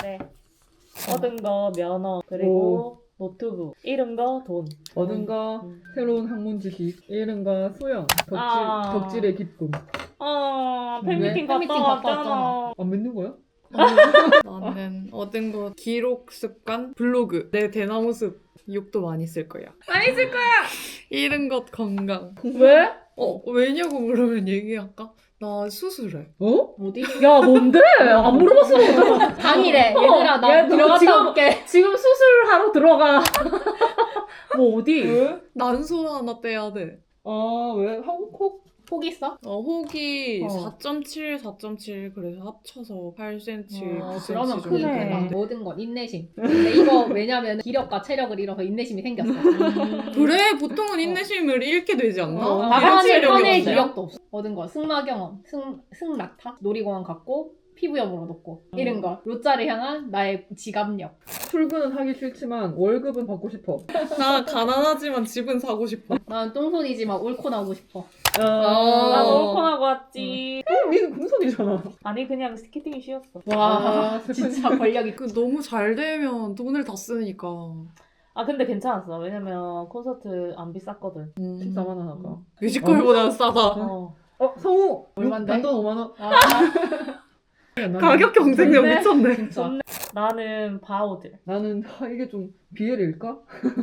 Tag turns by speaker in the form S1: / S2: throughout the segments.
S1: 그래. 얻은 거 면허 그리고 노트북 잃은 거 돈.
S2: 얻은 거 새로운 학문 지식, 잃은 거 수영, 덕질의 기쁨.
S1: 팬미팅 갔다 왔잖아.
S2: 안 믿는 거야?
S3: 나는 얻은 거 기록 습관, 블로그. 내 대나무 숲 욕도 많이 쓸 거야.
S1: 많이 쓸 거야.
S3: 잃은 것 건강.
S1: 왜?
S3: 왜냐고 물으면 얘기할까? 나 수술해.
S2: 어디?
S1: 야 뭔데? 안 물어봤어.
S4: 당일에 얘들아 나
S1: 얘
S4: 들어갔다
S1: 지금-
S4: 올게.
S1: 지금 수술하러 들어가. 뭐 어디?
S2: 왜?
S3: 난소 하나 떼야 돼.
S2: 아, 왜? 한국
S4: 폭 있어?
S3: 혹이
S1: 어.
S3: 4.7 그래서 합쳐서 8cm, 9cm
S4: 그러면
S3: 정도
S1: 크네.
S3: 되는데.
S4: 모든 건 인내심. 근데 이거 왜냐면 기력과 체력을 잃어서 인내심이 생겼어.
S3: 그래 보통은 인내심을 잃게 되지 않나?
S4: 나가는
S3: 체력이
S4: 편의
S3: 없어요?
S4: 기력도 없어. 얻은 거 승마 경험, 승낙타, 놀이공원 갔고 피부염으로 높고 잃은 거 로짜를 향한 나의 지갑력.
S2: 출근은 하기 싫지만 월급은 받고 싶어.
S3: 나 가난하지만 집은 사고 싶어.
S4: 난 똥손이지만 옳고 나오고 싶어.
S1: 나도 옳코나고 왔지.
S2: 니는 금손이잖아.
S1: 아니 그냥 스케팅이 쉬웠어.
S4: 와 진짜 권력이
S3: 그 너무 잘 되면 돈을 다 쓰니까.
S1: 아 근데 괜찮았어. 왜냐면 콘서트 안 비쌌거든.
S2: 14만 원 하가.
S3: 뮤지컬보다 싸다.
S1: 어.
S2: 성우!
S4: 얼만데?
S2: 단돈 5만 원.
S4: 아,
S3: 가격 경쟁력
S1: 좋네.
S3: 미쳤네.
S4: 진짜.
S1: 나는 바오들.
S2: 나는 이게 좀 비엘일까?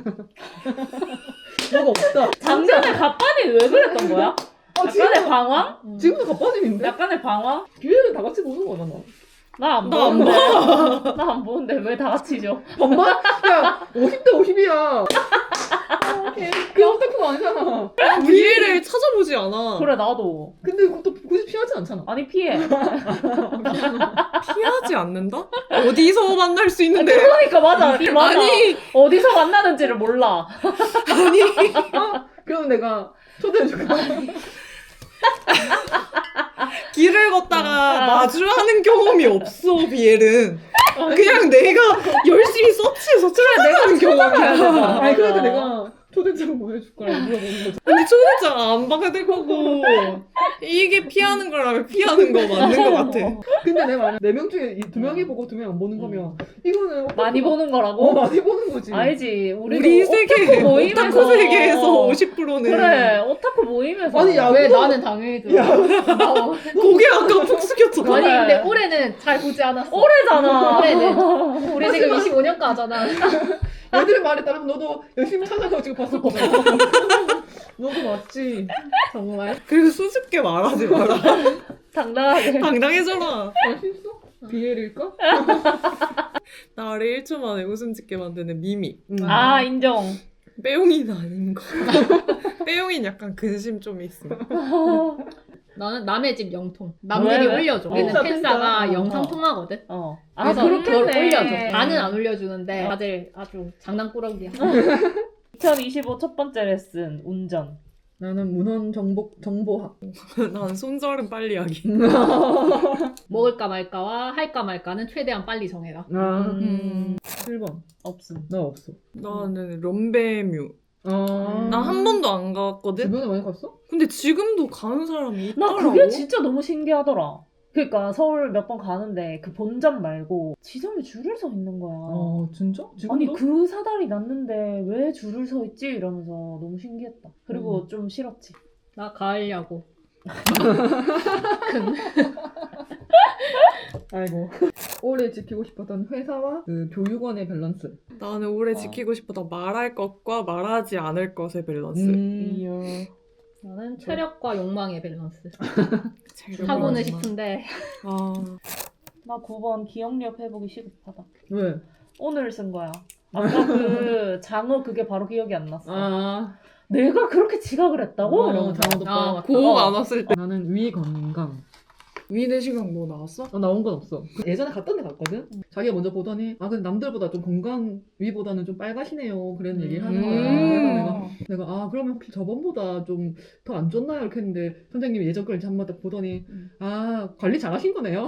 S2: 뭐가 없다.
S1: 작년에 갑반이 왜 그랬던 거야? 약간의 방황?
S2: 지금도 갑바짐인데?
S1: 약간의 방황?
S2: 비엘은 다 같이 보는 거잖아.
S1: 나 안
S3: 나안
S1: 보는데. 나 안 보는데 왜 다 같이 줘?
S2: 반반? 야, 50대 50이야. 그 오타쿠가 아니잖아.
S3: 기회를 찾아보지 않아.
S1: 그래 나도.
S2: 근데 그것도 굳이 피하지 않잖아.
S1: 아니 피해.
S3: 피하지 않는다? 어디서 만날 수 있는데?
S1: 그러니까 맞아. 맞아.
S3: 아니
S1: 어디서 만나는지를 몰라.
S2: 그럼 내가 초대해줄까?
S3: 길을 걷다가 마주하는 경험이 없어 비엘은. 그냥 내가 열심히 서치해서 찾아가는 경험이야.
S2: 아니, 그래도 내가 초대장 보내줄 거라 물어보는 거지.
S3: 근데 초대장 안 받을 거고 이게 피하는 거라면 피하는 거 맞는 거 같아.
S2: 근데 내 말은 4명 중에 2명이 보고 2명 안 보는 거면 이거는
S1: 많이 보는 거라고?
S2: 많이 보는 거지.
S1: 알지.
S3: 우리 세계
S1: 모임에서.
S3: 오타쿠 세계에서 50%는
S1: 그래 오타쿠 모임에서.
S2: 아니, 야,
S4: 왜
S2: 그거-
S4: 나는 당연히 들어.
S2: 야,
S3: 고개 아까 푹 숙였잖아.
S4: 아니 근데 올해는 잘 보지 않았어.
S1: 오래잖아.
S4: 올해는 우리 지금 25년가잖아.
S2: 애들의 말에 따르면 너도 열심히 찾아가고 지금 봤을 거잖아. 너도 맞지.
S4: 정말.
S3: 그리고 수줍게 말하지 마라.
S1: 당당하게.
S3: 당당해져라.
S2: 맛있어? 비엘일까?
S3: 나를 1초 만에 웃음 짓게 만드는 미미.
S1: 아 인정.
S3: 빼용이는 아닌 거. 빼용이는 약간 근심 좀 있어.
S4: 나는 남의 집 영통. 남들이
S1: 왜?
S4: 올려줘. 우리는
S2: 팬싸,
S4: 팬싸가
S2: 팬싸.
S4: 영상 통하거든.
S1: 어.
S4: 그래서
S1: 그렇게
S4: 그걸
S1: 했네.
S4: 올려줘. 나는 안 올려주는데 다들 아주 장난꾸러기야.
S1: 2025 첫 번째 레슨 운전.
S2: 나는 문헌 정보학.
S3: 난 손절은 빨리 하기.
S4: 먹을까 말까와 할까 말까는 최대한 빨리 정해라.
S2: 아,
S3: 음.
S2: 7번.
S1: 없음.
S2: 나 없어.
S3: 나는 럼베뮤.
S2: 아.
S3: 나 한 번도 안 가봤거든?
S2: 주변에 많이 갔어?
S3: 근데 지금도 가는 사람이
S1: 나
S3: 있더라고.
S1: 그게 진짜 너무 신기하더라. 그러니까 서울 몇 번 가는데 그 본점 말고 지점에 줄을 서 있는 거야.
S2: 진짜? 지금도?
S1: 아니 그 사달이 났는데 왜 줄을 서 있지? 이러면서 너무 신기했다. 그리고 좀 싫었지.
S4: 나 가을야구.
S2: 아이고. 올해 지키고 싶었던 회사와 그 교육원의 밸런스.
S3: 나는 올해 지키고 싶었던 말할 것과 말하지 않을 것의 밸런스.
S1: 이야.
S4: 나는 체력과 욕망의 밸런스.
S3: 재료
S4: 하고는
S3: 많구나.
S4: 싶은데
S3: 아,
S1: 나 9번 기억력 회복이 시급하다.
S2: 왜?
S1: 오늘 쓴 거야. 아까 그 장어 그게 바로 기억이 안 났어.
S2: 아.
S1: 내가 그렇게 지각을 했다고? 이러면서.
S2: 장어도
S4: 아,
S2: 빠.
S3: 고og 안 왔을 때.
S2: 나는 위 건강.
S3: 위내시경 뭐 나왔어?
S2: 나온 건 없어. 예전에 갔던 데 갔거든? 자기가 먼저 보더니, 근데 남들보다 좀 건강, 위보다는 좀 빨가시네요. 그런 얘기를 하는 거야. 그래서 내가, 그러면 혹시 저번보다 좀 더 안 좋나요? 이렇게 했는데, 선생님이 예전 걸 이제 한번 딱 보더니, 관리 잘 하신 거네요.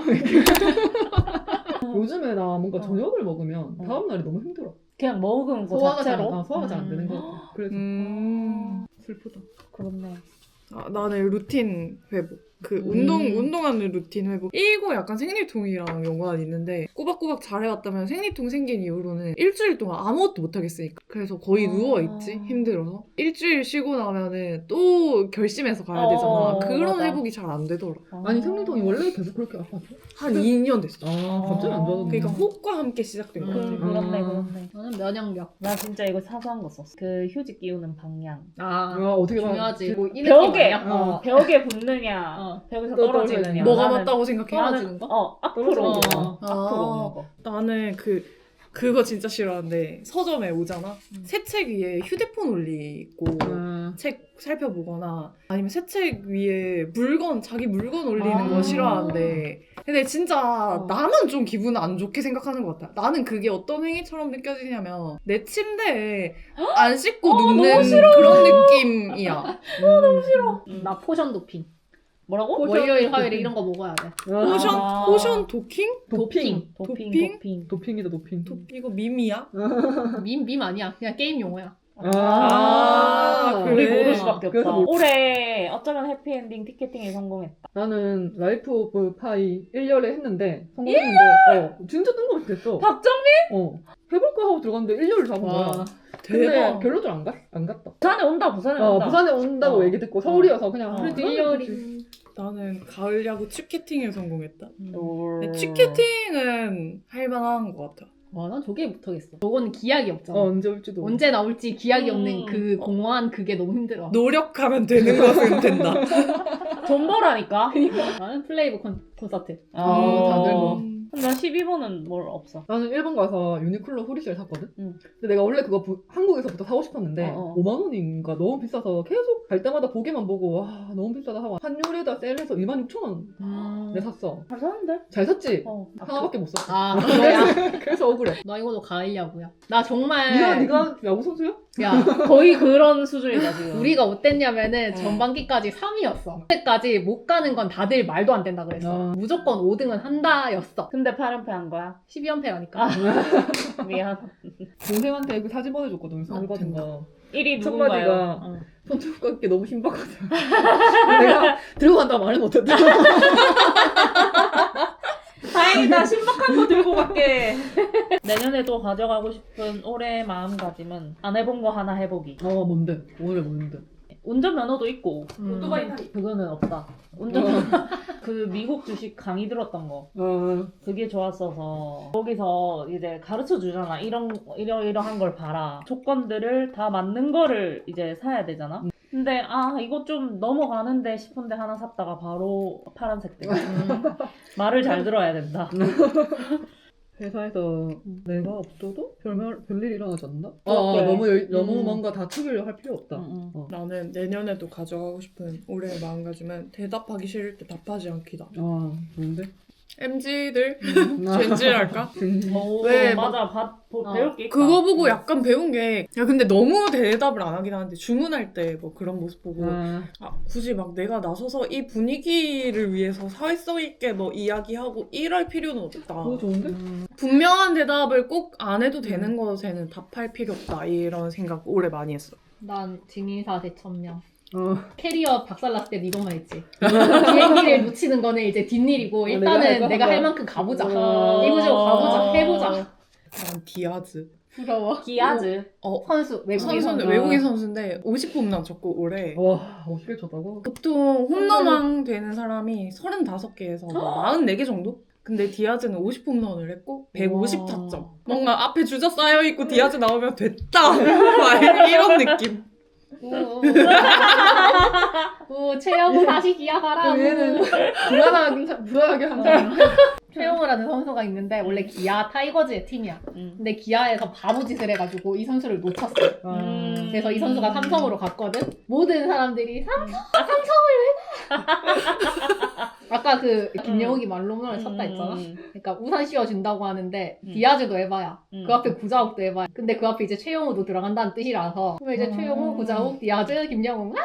S2: 요즘에 나 뭔가 저녁을 먹으면 다음날이 너무 힘들어.
S1: 그냥 먹은 거
S2: 소화가 잘,
S1: 자체로?
S2: 소화가 잘 안 되는 거 같아. 그래서, 슬프다.
S1: 그렇네.
S3: 아, 나는 루틴 회복. 그 운동하는 루틴 회복. 이거 약간 생리통이랑 연관이 있는데 꼬박꼬박 잘해왔다면 생리통 생긴 이후로는 일주일 동안 아무것도 못하겠으니까. 그래서 거의 누워있지. 힘들어서. 일주일 쉬고 나면은 또 결심해서 가야 되잖아. 그런
S1: 맞아.
S3: 회복이 잘 안 되더라.
S2: 아니 생리통이 원래 계속 그렇게 아팠어?
S3: 한 2년 됐어.
S2: 아 갑자기 안 좋아졌네.
S3: 그러니까 호흡과 함께 시작된 것 같아.
S1: 그렇네.
S4: 나는 면역력.
S1: 나 진짜 이거 사소한 거 썼어. 그 휴지 끼우는 방향.
S4: 아,
S2: 어떻게 봐?
S4: 중요하지. 뭐 이
S1: 벽에,
S4: 느낌 아니야?
S1: 벽에 붙느냐, 벽에서
S2: 또
S1: 떨어지느냐.
S3: 뭐가
S1: 나는-
S3: 맞다고 생각해?
S4: 떨어지는 거?
S1: 앞으로 오는 거.
S4: 어.
S1: 앞으로 오는 거.
S3: 나는 그거 진짜 싫어하는데 서점에 오잖아. 새 책 위에 휴대폰 올리고 책 살펴보거나 아니면 새 책 위에 자기 물건 올리는 거 싫어하는데 근데 진짜 나만 좀 기분 안 좋게 생각하는 것 같아. 나는 그게 어떤 행위처럼 느껴지냐면 내 침대에 안 씻고 눕는 그런 느낌이야.
S1: 너무 싫어.
S4: 나 포션 도핑.
S1: 뭐라고?
S4: 월요일, 화요일에 이런 거 먹어야 돼.
S3: 포션 도킹?
S2: 도핑.
S1: 도핑.
S2: 도핑이다 도핑.
S3: 이거 밈이야?
S4: 밈 아니야. 그냥 게임 용어야.
S1: 우리
S3: 그래.
S1: 모를 수밖에
S2: 그래서
S1: 없다. 올해 어쩌면 해피엔딩 티켓팅에 성공했다.
S2: 나는 라이프 오브 파이 1년에 했는데 성공했는데 진짜 뜬금없이 됐어.
S1: 박정민?
S2: 해볼까 하고 들어갔는데 1년을 잡은 거야. 근데
S3: 대박.
S2: 결론적으로 안 갔다.
S1: 부산에 온다. 부산에 온다.
S2: 부산에 온다고 얘기 듣고 서울이어서 그냥
S1: 그래도
S2: 그건
S4: 1년이.
S3: 나는 가을 야구 취캐팅에 성공했다.
S1: 올.
S3: 근데 취캐팅은 할만한 것 같아.
S4: 와, 난 저게 못하겠어. 저건 기약이 없잖아.
S2: 언제 올지도.
S4: 언제 나올지 기약이 없는 그 공허한 그게 너무 힘들어.
S3: 노력하면 되는 것은 된다.
S1: 돈 벌라니까.
S4: 나는 플레이브 콘서트.
S2: 다들 뭐.
S1: 나 12번은 뭘 없어.
S2: 나는 일본 가서 유니클로 후리시를 샀거든?
S1: 응.
S2: 근데 내가 원래 그거 한국에서부터 사고 싶었는데 5만 원인가 너무 비싸서 계속 갈 때마다 보기만 보고 와 너무 비싸다 하고 환율에다 세일해서 26,000원 내 샀어.
S1: 잘 사는데?
S2: 잘 샀지?
S1: 어.
S2: 하나밖에 못 샀어.
S4: 아, 그거야?
S2: 그래서 억울해.
S4: 나 이거도 가을 야구야. 나 정말.
S2: 네가 야구 선수야?
S4: 야,
S1: 거의 그런 수준이다 지금.
S4: 우리가 어땠냐면은 전반기까지 3위였어. 그때까지 못 가는 건 다들 말도 안 된다 그랬어. 무조건 5등은 한다였어.
S1: 근데 8연패 한 거야?
S4: 12연패라니까.
S1: 미안.
S2: 동생한테 그 사진 보내줬거든. 서울 받은 거.
S1: 1위
S2: 첫
S1: 누군가요?
S2: 마디가 손톱깎이 너무 신박하다. 내가 들고 간다고 말은 못했다.
S1: 다행이다. 신박한 거 들고 갈게. 내년에도 가져가고 싶은 올해의 마음가짐은 안 해본 거 하나 해보기.
S2: 뭔데? 뭔데?
S1: 운전면허도 있고
S3: 오토바이 타기.
S1: 그거는 없다. 운전면허 그 미국 주식 강의 들었던 거 그게 좋았어서 거기서 이제 가르쳐 주잖아. 이러한 걸 봐라. 조건들을 다 맞는 거를 이제 사야 되잖아. 근데 이거 좀 넘어가는데 싶은데 하나 샀다가 바로 파란색 돼. 말을 잘 들어야 된다.
S2: 회사에서 내가 없어도 별일 일어나지 않나?
S1: 그렇게.
S2: 너무 뭔가 다투기를 할 필요 없다.
S3: 나는 내년에도 가져가고 싶은 올해의 마음가짐은 대답하기 싫을 때 답하지 않기다.
S2: 뭔데?
S3: MZ들 젠지랄까?
S1: 왜
S3: 막-
S1: 맞아. 배울 게 있다.
S3: 그거 보고 약간 배운 게 야 근데 너무 대답을 안 하긴 하는데 주문할 때 뭐 그런 모습 보고 굳이 막 내가 나서서 이 분위기를 위해서 사회성 있게 뭐 이야기하고 이럴 필요는 없다.
S2: 그거 좋은데?
S3: 분명한 대답을 꼭 안 해도 되는 것에는 답할 필요 없다. 이런 생각 올해 많이 했어.
S4: 난 증인사 대천명. 캐리어 박살났을 때 이것만 했지. 비행기를 놓치는 거는 이제 뒷일이고 일단은 내가 할 만큼 가보자. 이거저거 가보자. 해보자.
S3: 난 디아즈.
S4: 부러워.
S1: 기아즈.
S4: 선수. 외국인
S3: 선수는
S4: 선수.
S3: 외국인 선수인데 50홈런 쳤고 올해.
S2: 와 50개 쳤다고?
S3: 보통 홈런왕 되는 사람이 35개에서 44개 정도? 근데 디아즈는 50홈런을 했고 150타점. 뭔가 앞에 주자 쌓여있고 디아즈 나오면 됐다. 막 이런 느낌.
S4: 오, 최영우 다시 기아가라.
S2: 얘는 불안하게 한다.
S4: 최영우라는 선수가 있는데 원래 기아 타이거즈의 팀이야. 근데 기아에서 바보 짓을 해가지고 이 선수를 놓쳤어. 그래서 이 선수가 삼성으로 갔거든. 모든 사람들이 삼성을 왜 가? 아까 그 김영욱이 말로문을 쳤다 했잖아. 그러니까 우산 씌워준다고 하는데 디아즈도 에바야. 그 앞에 구자욱도 에바야. 근데 그 앞에 이제 최영우도 들어간다는 뜻이라서 그러면 이제 최영우, 구자욱, 디아즈, 김영욱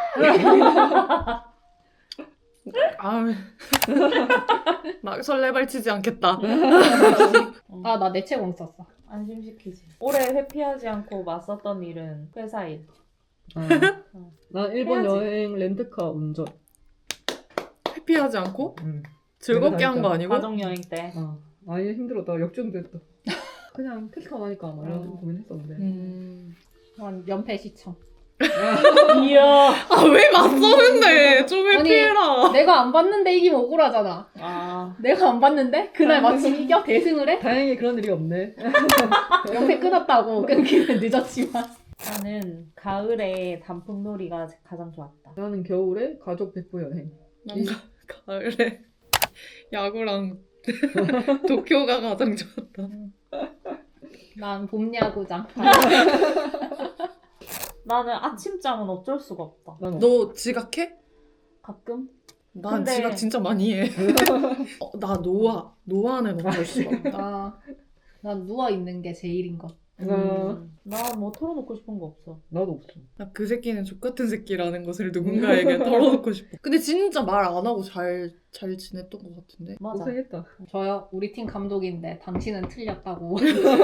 S3: 막 설레발치지 않겠다.
S4: 나 내채공 썼어.
S1: 안심시키지. 올해 회피하지 않고 맞섰던 일은 회사 일.
S2: 난 일본
S1: 해야지.
S2: 여행 렌트카 운전.
S3: 회피하지 않고
S2: 응.
S3: 즐겁게 한 거 아니고?
S1: 가족여행 때.
S2: 아니 힘들었다. 역주행도 했다. 그냥 택시 타고 하니까 막 이런 고민했었는데.
S4: 난 연패 시청.
S1: 이야.
S3: 아 왜 맞서는데? 좀
S4: 아니,
S3: 회피해라.
S4: 내가 안 봤는데 이기면 억울하잖아.
S1: 아.
S4: 내가 안 봤는데 그날 마침 이겨 대승을 해.
S2: 다행히 그런 일이 없네.
S4: 연패 끊었다고 끊기는 늦었지만.
S1: 나는 가을에 단풍놀이가 가장 좋았다.
S2: 나는 겨울에 가족 백부 여행.
S3: 난 가을에 야구랑 도쿄가 가장 좋았다.
S4: 난 봄 야구장.
S1: 나는 아침잠은 어쩔 수가 없다.
S3: 너 지각해?
S1: 가끔?
S3: 난
S1: 근데-
S3: 지각 진짜 많이 해. 나 노아는 어쩔 수가 없다.
S4: 난 누워 있는 게 제일인 것.
S1: 나 뭐 털어놓고 싶은 거 없어.
S2: 나도 없어.
S3: 나 그 새끼는 족같은 새끼라는 것을 누군가에게 털어놓고 싶어. 근데 진짜 말 안 하고 잘 지냈던 것 같은데.
S1: 맞아.
S2: 고생했다.
S4: 저요 우리 팀 감독인데 당신은 틀렸다고.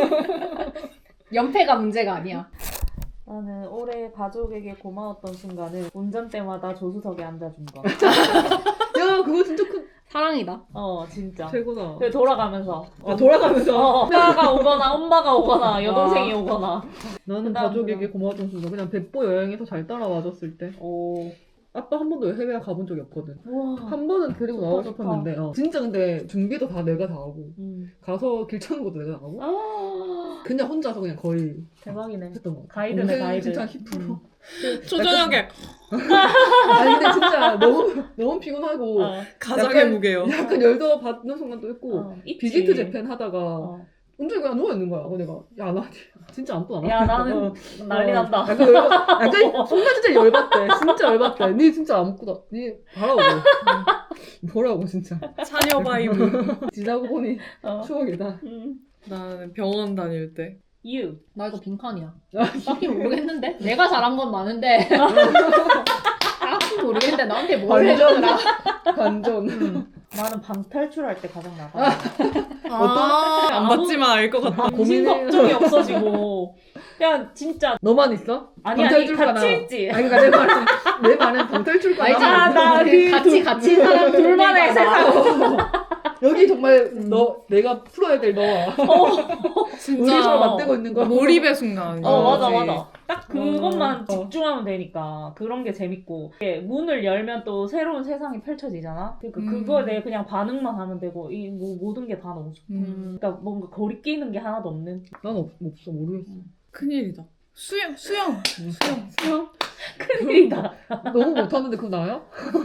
S4: 연패가 문제가 아니야.
S1: 나는 올해 가족에게 고마웠던 순간은 운전대마다 조수석에 앉아준 거.
S2: 야 그거 진짜 큰
S4: 사랑이다.
S1: 진짜.
S2: 최고다.
S1: 그 돌아가면서.
S2: 돌아가면서.
S1: 오빠가 오거나 엄마가 오거나 여동생이 오거나.
S2: 나는
S1: 그다음,
S2: 가족에게 고마웠던 순간 그냥 백보 여행에서 잘 따라와줬을 때.
S1: 오.
S2: 아빠 한 번도 해외 가본 적이 없거든.
S1: 우와.
S2: 한 번은 데리고
S1: 좋다,
S2: 나오고
S1: 좋다.
S2: 싶었는데 진짜 근데 준비도 다 내가 다 하고 가서 길 찾는 것도 내가 다 하고
S1: 아,
S2: 그냥 혼자서 그냥 거의
S1: 대박이네.
S2: 했던 거 같아.
S1: 가이드네,
S2: 동생
S1: 가이드.
S2: 진짜 10%.
S3: 초저녁에
S2: 아니 근데 진짜 너무 피곤하고
S3: 가장의
S2: 약간-
S3: 무게요.
S2: 약간 열도 받는 순간도 있고
S1: 있지.
S2: 비지트 재팬 하다가
S1: 어.
S2: 온종일 그냥 누워있는 거야. 내가 야 나 진짜 아무도 안 와.
S1: 야, 나는 난리 난다.
S2: 약간 순간 진짜 열받대. 진짜 열받대. 니 진짜 아무것도 니 봐라고. 보라고 진짜.
S3: 차녀 바이브.
S2: 지나고 보니
S1: 어.
S2: 추억이다.
S3: 나는 병원 다닐 때.
S1: You.
S4: 나 이거 빈칸이야. 딱히 모르겠는데? 내가 잘한 건 많은데. 딱히 모르겠는데 나한테 뭘 해주더라.
S2: 반전.
S1: 나는 방탈출할 때 가장 나가.
S3: 안 봤지만 알 것 같다.
S1: 고민 걱정이 없어지고 그냥 진짜
S2: 너만 있어?
S1: 아니
S2: 방탈출가나.
S1: 같이 있지.
S2: 아니 그러니까 내 말은 방탈출가.
S4: 알잖아.
S1: 나 그
S4: 같이 사람
S1: 둘만의 세상.
S2: 여기 정말 내가 풀어야 될 너와 우리 서로 맞대고 있는 거.
S3: 몰입의 순간.
S1: 맞아
S3: 그거지.
S1: 맞아. 딱 그것만
S2: 어.
S1: 집중하면 되니까 그런 게 재밌고 이게 문을 열면 또 새로운 세상이 펼쳐지잖아. 그러니까 그거에 대해 그냥 반응만 하면 되고 이 뭐 모든 게 다 너무 좋다. 그러니까 뭔가 거리 끼는 게 하나도 없는.
S2: 난 없어 모르겠어.
S3: 큰일이다. 수영.
S1: 큰일이다.
S2: 너무 못하는데 그거 나야?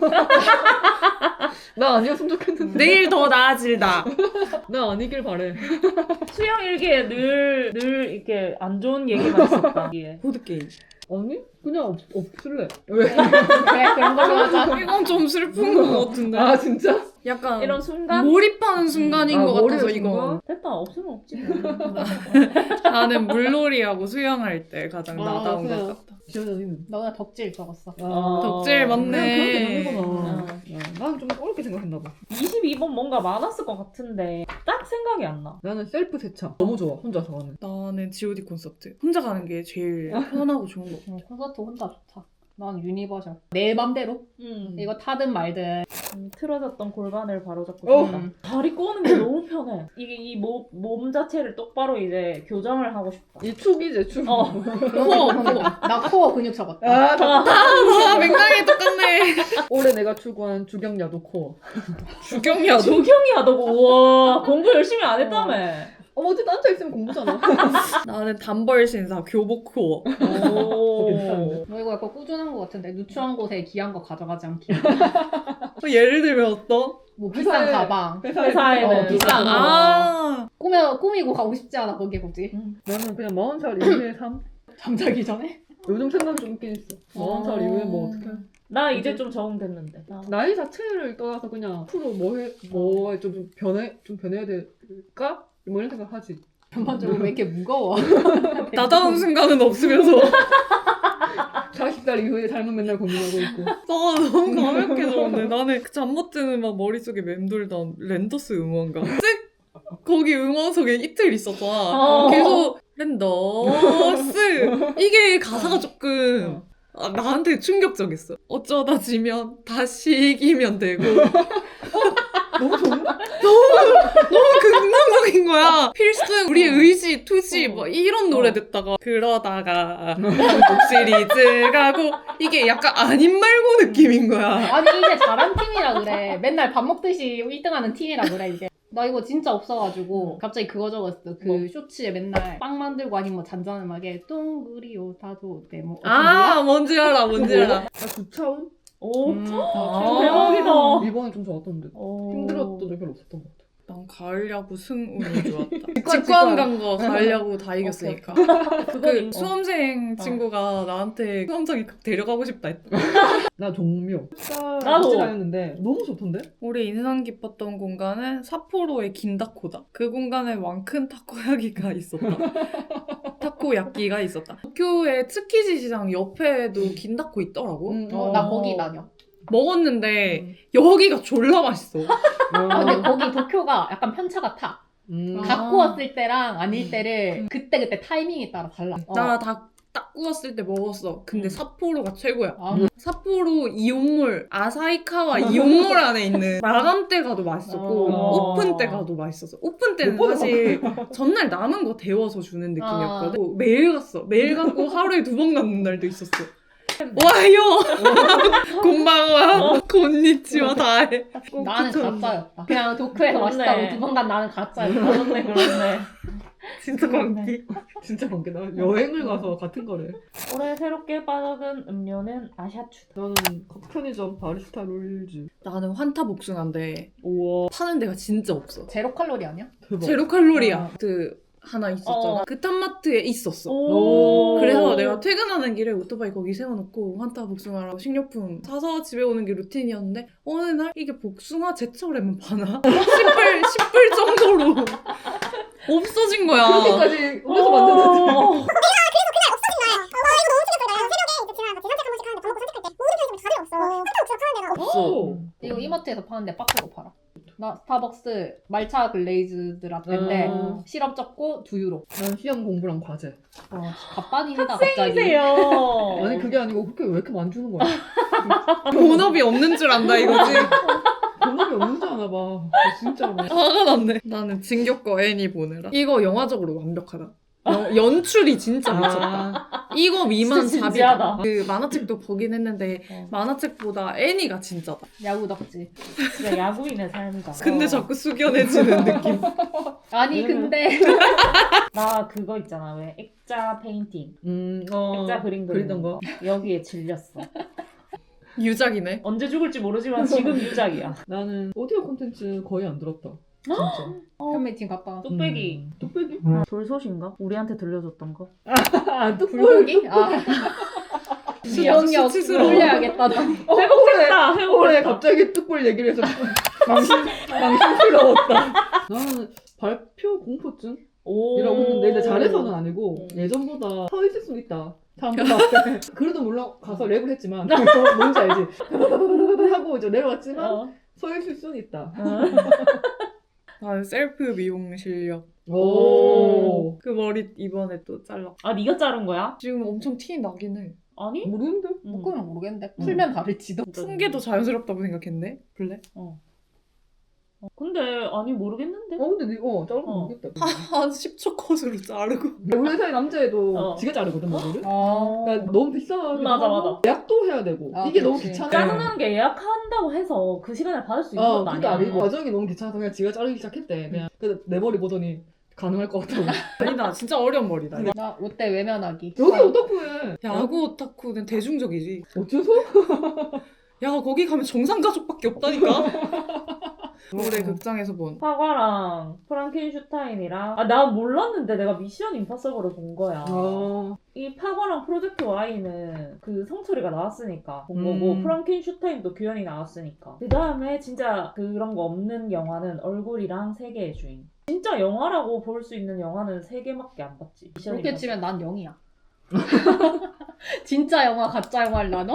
S2: 나 아니었으면 좋겠는데.
S3: 내일 더 나아질다.
S2: 나 아니길 바래.
S1: 수영 일기에 늘 이렇게 안 좋은 얘기만 있었다. 이게.
S3: 보드게임.
S2: 아니? 그냥 없을래. 왜?
S4: 그래 그런 걸로 하자.
S3: 이건 좀 슬픈 것 같은데.
S2: 아 진짜?
S3: 약간
S1: 이런 순간
S3: 몰입하는 순간인 것 같아서
S2: 몰입의
S3: 이건.
S2: 순간?
S1: 됐다 없으면 없지. 뭐.
S3: 나는 물놀이하고 수영할 때 가장
S2: 아,
S3: 나다운
S2: 그냥.
S3: 것 같다.
S2: 지원이는.
S4: 너가 덕질 적었어.
S3: 덕질 맞네.
S2: 그냥 그렇게 되는구나.
S1: 어.
S2: 나는 좀 어렵게 생각했나 봐.
S1: 22번 뭔가 많았을 것 같은데 딱 생각이 안 나.
S2: 나는 셀프 세차 너무 좋아. 혼자서 하는.
S3: 나는 G.O.D 콘서트. 혼자 가는 게 제일 편하고 좋은 거.
S4: 콘서트 혼자 좋다. 난 유니버셜. 내 맘대로. 이거 타든 말든.
S1: 틀어졌던 골반을 바로잡고
S2: 어.
S1: 싶다. 다리 꼬는 게 너무 편해. 이게 이 몸 자체를 똑바로 이제 교정을 하고 싶다.
S2: 이 축이지 축.
S3: 코어.
S4: 나 코어 근육 적었다.
S3: 아, 맥락이 똑같네.
S2: 올해 내가 추구한 주경야도 코어.
S3: 주경야도.
S1: 조경이야 너. 우와 공부 열심히 안 했다며.
S2: 어쨌든 앉아있으면 공부잖아.
S3: 나는 단벌 신사 교복 코어.
S1: 오.
S4: 너 이거 약간 꾸준한 것 같은데 누추한 곳에 귀한 거 가져가지 않기.
S3: 예를 들면 어떤?
S4: 뭐 비싼
S2: 회사에-
S4: 가방.
S1: 회사에는
S4: 비싼 거.
S3: 아.
S4: 꾸미고 가고 싶지 않아 거기에 굳이.
S2: 나는 그냥 40살 이후의 삶?
S4: 잠자기 전에.
S2: 요즘 생각 좀 있긴 있어. 40살 이후에 뭐 어떡해.
S1: 나 이제 좀 적응됐는데.
S2: 나이 자체를 떠나서 그냥 앞으로 뭐에 좀 변해야 될까? 뭐 이런 생각 하지.
S4: 전반적으로 왜 이렇게 무거워?
S3: 나다운 순간은 없으면서.
S2: 40살 이후의 삶은 맨날 고민하고 있고.
S3: 너무 가볍게졌는데 나는 그 잠 못 드는 막 머릿속에 맴돌던 랜더스 응원가. 거기 응원석에 이틀 있었잖아. 계속 랜더스 이게 가사가 조금 나한테 충격적이었어. 어쩌다 지면 다시 이기면 되고.
S2: 너무 좋은데?
S3: 너무 긍정적인 거야. 필승, 우리의 의지, 투지, 뭐 이런 노래 듣다가 그러다가 시리즈 가고 이게 약간 아닌 말고 느낌인 거야.
S4: 아니 이제 잘한 팀이라 그래. 맨날 밥 먹듯이 1등하는 팀이라 그래 이제. 나 이거 진짜 없어가지고 갑자기 그거 적었어. 그
S1: 뭐?
S4: 쇼츠에 맨날 빵 만들고 아니면 뭐 잔잔음하게 똥그리요 다도 네뭐
S3: 뭔지 알아, 뭔지 알아.
S2: 구차원?
S1: 오.
S3: 아.
S1: 대박이다.
S2: 이번에 좀 좋았던데. 힘들었던 적이 별로 없었던 것 같아.
S3: 난 가을 야구 승운이 좋았다.
S2: 직관.
S3: 직관 간 거 가을 야구 다 이겼으니까. 그
S1: 그거
S3: 수험생 친구가 나한테 수험장에 데려가고 싶다 했다.
S2: 나 종묘.
S1: 나도.
S2: 다녔는데 너무 좋던데?
S3: 우리 인상 깊었던 공간은 삿포로의 긴다코다. 그 공간에 왕큰 타코야기가 있었다. 타코야끼가 있었다. 도쿄의 츠키지 시장 옆에도 긴다코 있더라고.
S4: 나 거기 다녀.
S3: 먹었는데 여기가 졸라 맛있어.
S4: 아 근데 거기 도쿄가 약간 편차 같아.
S2: 음.
S4: 다 구웠을 때랑 아닐 때를 그때 타이밍에 따라 달라.
S3: 나 딱 구웠을 때 먹었어. 근데 삿포로가 최고야.
S4: 아,
S3: 삿포로 이온몰, 아사히카와 이온몰 안에 있는 마감 때 가도 맛있었고 오픈 때 가도 맛있었어. 오픈 때는 사실 전날 남은 거 데워서 주는 느낌이었거든. 매일 갔어. 매일 갔고 하루에 2번 갔는 날도 있었어. 와요! 곤방와 곤니치와 다해.
S4: 나는 가짜였다. 그냥 도쿄에서
S1: 그렇네.
S4: 맛있다고 2번 간 나는 가짜였다.
S1: 그렇네.
S3: 진짜 광기.
S2: 진짜 관계다. 여행을 가서 같은 거래.
S1: 올해 새롭게 빠져든 음료는 아샤추.
S2: 저는 편의점 바리스타 롤즈.
S3: 나는 환타 복숭아인데
S2: 우와
S3: 파는 데가 진짜 없어.
S4: 제로 칼로리 아니야?
S2: 대박.
S3: 제로 칼로리야. 그 하나 있었잖아.
S1: 어.
S3: 그 탐마트에 있었어.
S1: 오.
S3: 그래서 내가 퇴근하는 길에 오토바이 거기 세워놓고 환타 복숭아랑 식료품 사서 집에 오는 게 루틴이었는데 어느 날 이게 복숭아 제철에만 파나? 10불 정도로 없어진 거야.
S2: 그렇게까지 오면서 만드는지.
S1: 어.
S2: 없어.
S4: 이거 이마트에서 파는데 박스로 팔아. 나 스타벅스 말차 글레이즈드 라떼인데 시럽 적고 2유로.
S2: 난 시험 공부랑 과제.
S4: 갑반이다 갑자기.
S1: 학생이세요.
S2: 아니 그게 아니고 그렇게 왜 이렇게 많이 주는 거야?
S3: 본업이 없는 줄 안다 이거지.
S2: 본업이 없는 줄 아나 봐. 진짜로.
S3: 화가 났네. 나는 진격거 애니 보느라. 이거 영화적으로 완벽하다. 연출이 진짜 미쳤다. 이거 미만
S1: 진짜
S3: 4비다.
S1: 진지하다.
S3: 그 만화책도 보긴 했는데 만화책보다 애니가 진짜다.
S4: 야구 덕지.
S1: 진짜 야구인의 삶이다.
S3: 근데 자꾸 숙연해지는 느낌.
S4: 아니 근데
S1: 나 그거 있잖아. 왜 액자 페인팅.
S2: 어.
S1: 액자 그림
S2: 그리던 거.
S1: 여기에 질렸어.
S3: 유작이네.
S1: 언제 죽을지 모르지만 지금 유작이야.
S2: 나는 오디오 콘텐츠 거의 안 들었다. 진짜.
S4: 팬미팅 갔다.
S1: 뚝배기.
S2: 뚝배기?
S1: 돌솥인가? 우리한테 들려줬던 거.
S2: 아 뚝배기?
S4: 불고기? 아. 기억력
S3: 수치스러워.
S4: 올려야겠다. 나.
S1: 회복됐다.
S2: 올해
S1: 회복됐다.
S2: 갑자기 뚝불 얘기를 해서 망신스러웠다. 나는 발표 공포증?
S1: 오.
S2: 이라고 했는데 근데 잘해서는 아니고 예전보다 서 있을 수 있다. 사람보다 앞에. 그래도 물론 가서 랩을 했지만 뭔지 알지? 하고 이제 내려왔지만
S1: 어.
S2: 서 있을 수는 있다.
S3: 나는 셀프 미용 실력.
S2: 오.
S3: 그 머리 이번에 또 잘라.
S1: 아, 네가 자른 거야?
S3: 지금 엄청 티 나긴 해.
S1: 아니?
S2: 모르는데?
S4: 묶으면 모르겠는데 풀면 다를지도.
S3: 푼 게 더 자연스럽다고 생각했네. 그래?
S1: 근데 아니 모르겠는데.
S2: 근데 자른 거 모르겠다.
S3: 한 10초 컷으로 자르고.
S2: 우리 회사의 남자애도
S1: 어.
S2: 지가 자르거든 머리를.
S4: 아.
S2: 그러니까 너무 비싸게
S1: 맞아.
S2: 예약도 해야 되고
S4: 아,
S2: 이게 너무
S4: 그치.
S2: 귀찮아.
S1: 짜증나는 게 예약한다고 해서 그 시간에 받을 수 있는 것도
S2: 그것도
S1: 아니야.
S2: 아니고 과정이 너무 귀찮아서 그냥 지가 자르기 시작했대. 그냥 근데 내 머리 보더니 가능할 것 같다고.
S3: 아니다. 진짜 어려운 머리다.
S4: 나 롯데 외면하기.
S2: 여기 오타쿠에
S3: 야구 오타쿠는 대중적이지.
S2: 어째서?
S3: 야 거기 가면 정상 가족밖에 없다니까. 올해 극장에서 본.
S1: 파과랑 프랑켄슈타인이랑 나 몰랐는데 내가 미션 임파서블을 본 거야. 이 파과랑 프로젝트 Y는 그 성철이가 나왔으니까 본 거고 프랑켄슈타인도 규현이 나왔으니까 그 다음에 진짜 그런 거 없는 영화는 얼굴이랑 세계의 주인. 진짜 영화라고 볼 수 있는 영화는 3개밖에 안 봤지. 미션
S4: 그렇게
S1: 임파서블.
S4: 치면 난 0이야. 진짜 영화 가짜 영화를 나눠?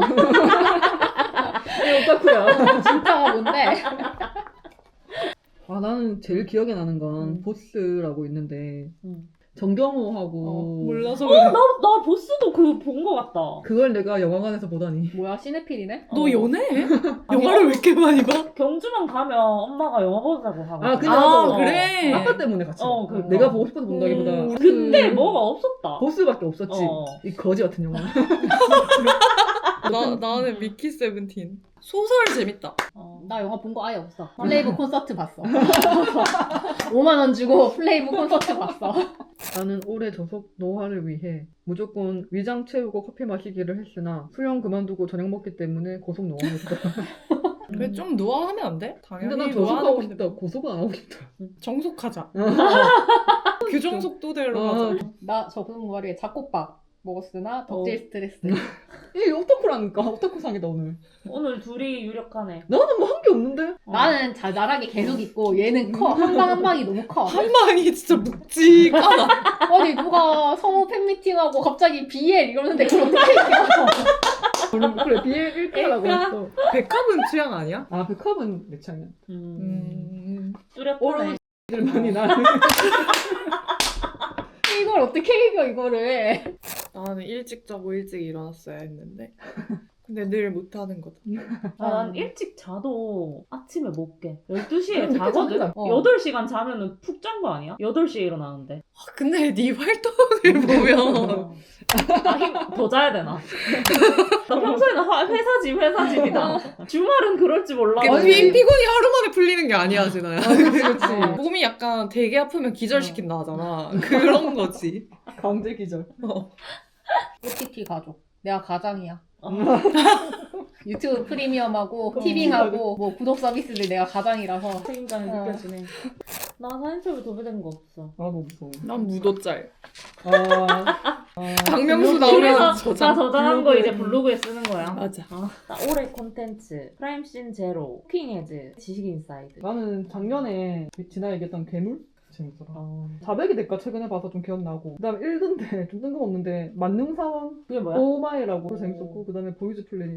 S2: 오타쿠야.
S4: 진짜가 뭔데?
S2: 나는 제일 기억에 나는 건 보스라고 있는데 정경호하고
S3: 몰라서
S1: 나 보스도 그 본 거 같다.
S2: 그걸 내가 영화관에서 보다니.
S4: 뭐야 시네필이네?
S3: 너 연애해? 영화를 왜 이렇게 많이 봐?
S1: 경주만 가면 엄마가 영화 보자고 하고.
S2: 아, 그냥
S3: 아,
S2: 나도
S3: 그래?
S2: 아빠 때문에 같이.
S1: 어,
S2: 봐.
S1: 그러니까.
S2: 내가 보고 싶어서 본다기보다
S1: 그때 뭐가 없었다.
S2: 보스밖에 없었지.
S1: 어.
S2: 이 거지 같은 영화.
S3: 나는 미키 세븐틴. 소설 재밌다.
S4: 나 영화 본 거 아예 없어. 플레이브 콘서트 봤어. 5만 원 주고 플레이브 콘서트 봤어.
S2: 나는 올해 저속 노화를 위해 무조건 위장 채우고 커피 마시기를 했으나 수영 그만두고 저녁 먹기 때문에 고속 노화했다.
S3: 그래 좀 노화하면 안 돼?
S2: 근데
S3: 당연히
S2: 난 저속하고
S3: 노화하는
S2: 싶다. 고속은 안 하고 싶다.
S3: 정속하자. 규정 속도대로 가자.
S4: 나 저번 월에 잡곡밥 먹었으나 덕질 스트레스.
S2: 이게 오타쿠라니까. 오타쿠상이다 오늘.
S1: 오늘 둘이 유력하네.
S2: 나는 뭐 한 게 없는데?
S4: 나는 자잘하게 계속 있고 얘는 커. 한 방 한 방이 너무 커.
S3: 한 방이 진짜 묵직하다.
S4: 아니 누가 성우 팬미팅하고 갑자기 BL 이러는데 그걸 어떻게 얘기하고.
S2: 그래 BL 1가라고 했어.
S3: 백합은 취향 아니야?
S2: 아 백합은 내 취향이야.
S1: 뚜렷하네.
S2: 들만이 나는.
S4: 이걸 어떻게 이겨 이거를.
S3: 나는 일찍 자고 일찍 일어났어야 했는데. 근데 늘 못하는 거다.
S1: 난 일찍 자도 아침에 못 깨. 12시에
S2: 늦게
S1: 자거든?
S2: 자는구나.
S1: 8시간 자면은 푹 잔 거 아니야? 8시에 일어나는데.
S3: 근데 네 활동을 보면
S1: 더 자야 되나? 나 평소에는 회사집이다. 주말은 그럴지 몰라.
S3: 피곤이 하루 만에 풀리는 게 아니야, 진아야.
S2: 그렇지.
S3: 몸이 약간 되게 아프면 기절시킨다 하잖아. 그런 거지.
S2: 강제 기절.
S4: OTT 가족. 내가 가장이야. 유튜브 프리미엄하고 티빙하고 뭐 구독 서비스들 내가 가장이라서.
S1: 책임감이
S4: 어.
S1: 느껴지네. 나 사인첩에 도배된 거 없어.
S2: 나도 무서워.
S3: 난 무도짤.
S2: 그래서
S3: 박명수 나오면
S1: 나
S3: 저장.
S1: 저장한 거 이제 블로그에 쓰는 거야.
S3: 맞아.
S1: 나 올해 콘텐츠 프라임씬 제로, 쿠킹에즈, 지식인사이드.
S2: 나는 작년에 지나 얘기했던 괴물? 재밌더라. 자백이 될까 최근에 봐서 좀 기억나고. 그 다음에 1군데 좀 뜬금없는데 만능사원
S1: 그게 뭐야?
S2: 오마이라고 그거 재밌었고 그 다음에 보이즈 플래닛.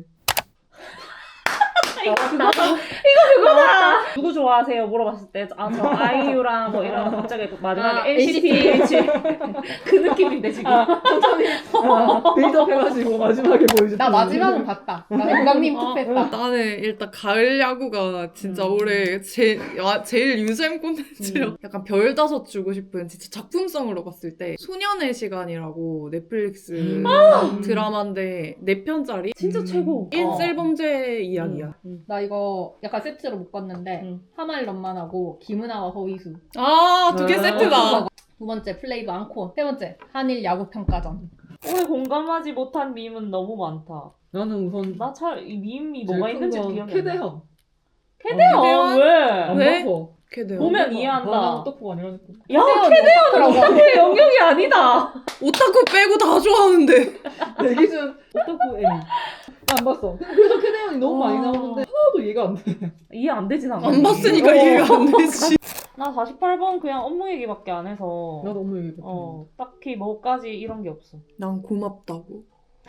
S1: 그거다. 누구 좋아하세요? 물어봤을 때, 저 아이유랑 뭐 이런 갑자기 마지막에 NCT 그 느낌인데 지금.
S2: 빌드업 해가지고 마지막에 보이즈
S4: 나
S2: 플래닛.
S4: 마지막은 봤다. 나 영감님 투표했다.
S3: 나는 일단 가을 야구가 진짜 올해 제일 유잼 콘텐츠요. 약간 별 5 주고 싶은 진짜 작품성으로 봤을 때 소년의 시간이라고 넷플릭스 드라마인데 4편짜리
S1: 진짜 최고.
S3: 일셀범죄 이야기야.
S4: 나 이거 약간 세트로 묶었는데 하말런만하고 김은아와 허이수.
S3: 아, 2개 세트다.
S4: 두 번째 플레이브 앙코. 세 번째 한일 야구 평가전.
S1: 올해 공감하지 못한 밈은 너무 많다.
S2: 나는 우선
S1: 나 잘 이 밈이
S2: 제일
S1: 뭐가
S2: 큰
S1: 있는지
S2: 건
S1: 기억이 안 나.
S2: 캐대현.
S1: 캐대현
S3: 캐대현?
S1: 왜?
S2: 안
S3: 왜?
S2: 봐서.
S3: 걔네요.
S1: 보면 이해한다.
S2: 바나나 떡국 아니라니까.
S1: 야,
S4: 캐대현이라고.
S1: 캐대현은 영역이 아니다.
S3: 오타쿠 빼고 다 좋아하는데.
S2: 내 기준 오타쿠 애니. 안 봤어. 그래서 캐대현이 너무 많이 나오는데 하나도 이해가 안 돼.
S1: 이해 안 되진 않아.
S3: 안 봤으니까 이해가 안 되지.
S1: 나 48번 그냥 업무 얘기밖에 안 해서.
S2: 나 너무 얘기 못해.
S1: 딱히 뭐까지 이런 게 없어.
S3: 난 고맙다고.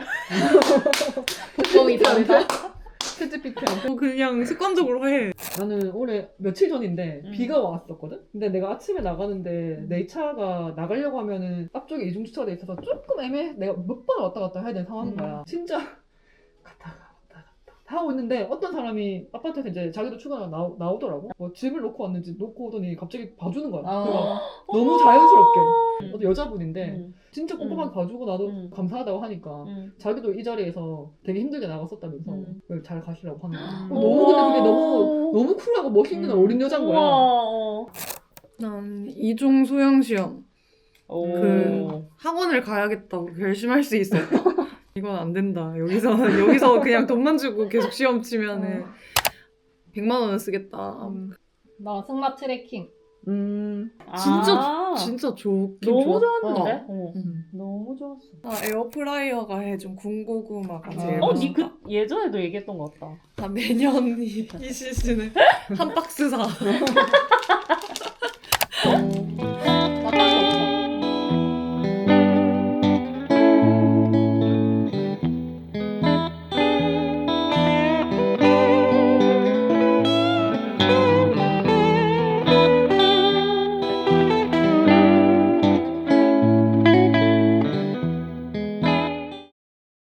S4: 그거 이상하다.
S2: 채찌피티한테.
S3: 그냥 습관적으로 해.
S2: 나는 올해 며칠 전인데 비가 왔었거든? 근데 내가 아침에 나가는데 내 차가 나가려고 하면은 앞쪽에 이중 주차가 돼 있어서 조금 애매해. 내가 몇 번 왔다 갔다 해야 되는 상황인 거야. 진짜 갔다가 왔다 갔다 하고 있는데 어떤 사람이 아파트에서 이제 자기도 출근하고 나오더라고. 뭐 짐을 놓고 왔는지 놓고 오더니 갑자기 봐주는 거야. 그래서 너무 자연스럽게. 어떤 여자분인데 진짜 꼼꼼하게 봐주고 나도 감사하다고 하니까 자기도 이 자리에서 되게 힘들게 나갔었다면서 그걸 잘 가시라고 하는 거야. 너무 근데 그게 너무 쿨하고 멋있는 어린 여자인 거야.
S3: 난 이종 소양 시험 그 학원을 가야겠다고 결심할 수 있었다. 이건 안 된다. 여기서 그냥 돈만 주고 계속 시험 치면은 100만 원은 쓰겠다.
S4: 나 승마 트래킹.
S3: 진짜 좋긴
S1: 너무
S3: 좋았다.
S1: 좋았는데?
S3: 응.
S1: 너무 좋았어.
S3: 나 에어프라이어가 해준 군고구마가 제일
S1: 니
S3: 맛있다.
S1: 예전에도 얘기했던 것 같다.
S3: 나 매년 이 시즌에 한 박스 사.